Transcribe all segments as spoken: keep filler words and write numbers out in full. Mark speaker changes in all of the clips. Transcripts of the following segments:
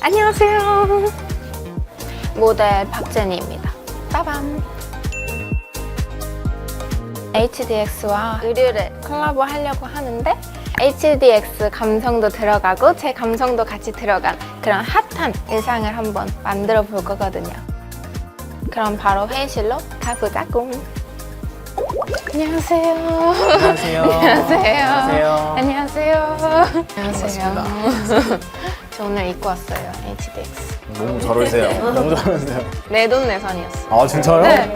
Speaker 1: 안녕하세요. 모델 박제니입니다. 빠밤. 에이치디엑스와 의류를 콜라보 하려고 하는데 에이치디엑스 감성도 들어가고 제 감성도 같이 들어간 그런 핫한 의상을 한번 만들어 볼 거거든요. 그럼 바로 회의실로 가보자고. 안녕하세요.
Speaker 2: 안녕하세요.
Speaker 1: 안녕하세요.
Speaker 2: 안녕하세요.
Speaker 1: 안녕하세요. 안녕하세요. 저 오늘 입고 왔어요. 에이치디엑스.
Speaker 2: 너무 잘 어울리세요. 너무 잘 어울리세요.
Speaker 1: 내돈내산이었어요.
Speaker 2: 아, 진짜요?
Speaker 1: 네.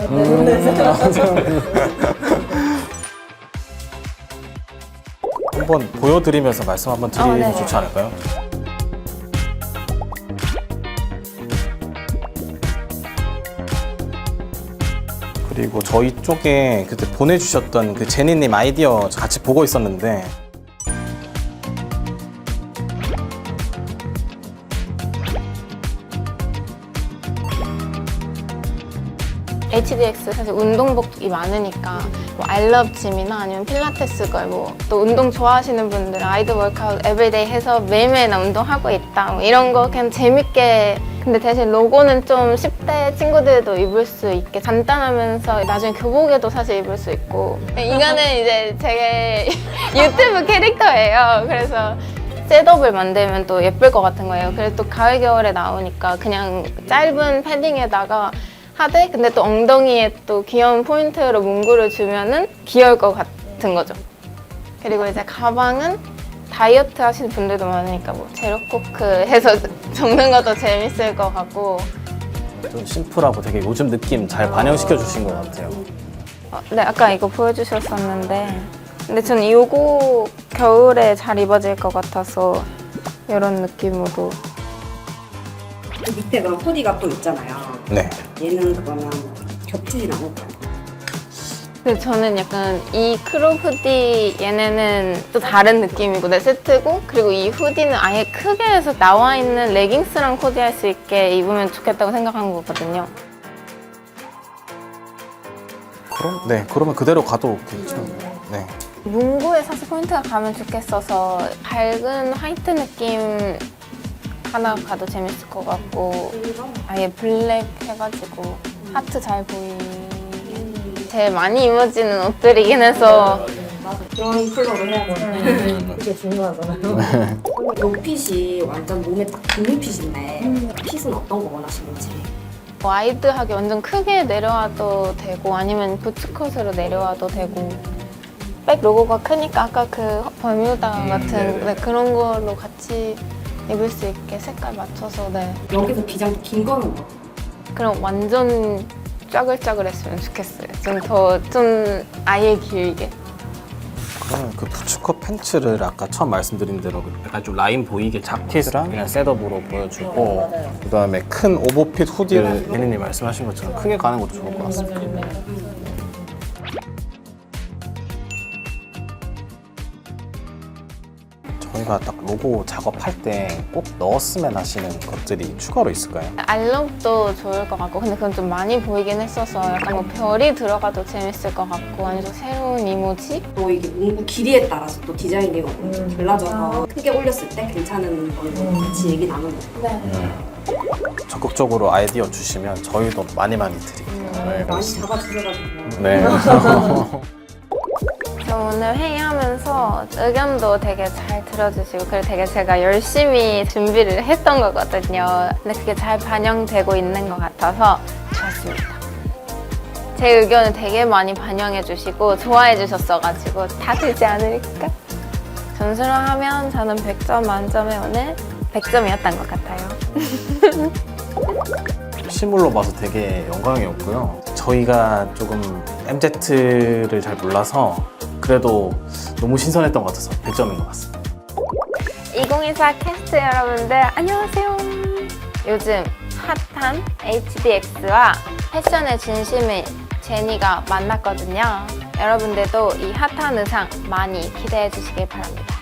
Speaker 2: 한번 보여드리면서 말씀 한번 드리면
Speaker 1: 어, 네.
Speaker 2: 좋지 않을까요? 그리고 저희 쪽에 그때 보내주셨던 그 제니님 아이디어 같이 보고 있었는데
Speaker 1: 에이치디엑스 사실 운동복이 많으니까 뭐 알럽짐이나 아니면 필라테스 걸 뭐 또 운동 좋아하시는 분들은 아이드 워크아웃 에브리데이 해서 매일매일 나 운동하고 있다 뭐 이런 거 그냥 재밌게. 근데 대신 로고는 좀 십 대 친구들도 입을 수 있게 간단하면서 나중에 교복에도 사실 입을 수 있고. 이거는 이제 제 유튜브 캐릭터예요. 그래서 셋업을 만들면 또 예쁠 것 같은 거예요. 그래서 또 가을 겨울에 나오니까 그냥 짧은 패딩에다가 하되 근데 또 엉덩이에 또 귀여운 포인트로 문구를 주면은 귀여울 것 같은 거죠. 그리고 이제 가방은 다이어트 하시는 분들도 많으니까 뭐 제로코크 해서 적는 것도 재밌을 것 같고.
Speaker 2: 좀 심플하고 되게 요즘 느낌 잘 반영시켜 주신 것 같아요.
Speaker 1: 어, 네, 아까 이거 보여주셨었는데 근데 저는 이거 겨울에 잘 입어질 것 같아서 이런 느낌으로.
Speaker 3: 그 밑에 그런 후디가 또 있잖아요.
Speaker 2: 네.
Speaker 3: 얘는 그러면 겹치진 않을까요?
Speaker 1: 근데 저는 약간 이 크롭 후디 얘네는 또 다른 느낌이고 내 세트고, 그리고 이 후디는 아예 크게 해서 나와 있는 레깅스랑 코디할 수 있게 입으면 좋겠다고 생각한 거거든요.
Speaker 2: 그럼 네 그러면 그대로 가도 괜찮아요. 네.
Speaker 1: 문구에 사실 포인트가 가면 좋겠어서 밝은 화이트 느낌 하나 가도 재밌을 것 같고, 아예 블랙 해가지고 하트 잘 보이게 제일 많이 입어지는 옷들이긴 해서.
Speaker 3: 그런 컬러로 해야죠. 그게 중요하잖아요. 요 핏이 완전 몸에 딱 붙는 핏인데 핏은 어떤 거 원하시는지.
Speaker 1: 와이드하게 완전 크게 내려와도 되고 아니면 부츠컷으로 내려와도 되고, 백 로고가 크니까 아까 그 버뮤다 같은 네, 그런 걸로 같이 입을 수 있게 색깔 맞춰서. 네.
Speaker 3: 여기서 기장 긴 거는 뭐?
Speaker 1: 그럼 완전 짜글짜글했으면 좋겠어요. 좀 더 좀 아예 길게.
Speaker 2: 그러면 그 부츠컷 팬츠를 아까 처음 말씀드린 대로 약간 좀 라인 보이게 자켓이랑 그냥 셋업으로 보여주고, 그 다음에 큰 오버핏 후디를 예니님 말씀하신 것처럼 크게 가는 것도 좋을 것 같습니다. 저희가 딱 로고 작업할 때 꼭 넣었으면 하시는 것들이 추가로 있을까요?
Speaker 1: 알럽도 좋을 것 같고, 근데 그건 좀 많이 보이긴 했어서 약간 뭐 별이 들어가도 재밌을 것 같고, 아니면 새로운 이모지?
Speaker 3: 또 이게 문구 길이에 따라서 또 디자인이 음. 달라져서 크게 올렸을 때 괜찮은 걸로 같이 얘기 나누는 거예요.
Speaker 2: 음. 적극적으로 아이디어 주시면 저희도 많이 많이 드릴게요. 네,
Speaker 3: 많이 잡아주셔가지고.
Speaker 2: 네.
Speaker 1: 저 오늘 회의하면서 의견도 되게 잘 들어주시고, 그리고 되게 제가 열심히 준비를 했던 거거든요. 근데 그게 잘 반영되고 있는 것 같아서 좋았습니다. 제 의견을 되게 많이 반영해 주시고 좋아해 주셨어가지고 다 되지 않을까? 점수로 하면 저는 백 점 만점에 오늘 백 점이었던 것 같아요.
Speaker 2: 실물로 봐서 되게 영광이었고요. 저희가 조금 엠제트를 잘 몰라서 그래도 너무 신선했던 것 같아서 백 점인 것 같습니다.
Speaker 1: 이천이십사 캐스트 여러분들 안녕하세요. 요즘 핫한 에이치디엑스와 패션의 진심인 제니가 만났거든요. 여러분들도 이 핫한 의상 많이 기대해 주시길 바랍니다.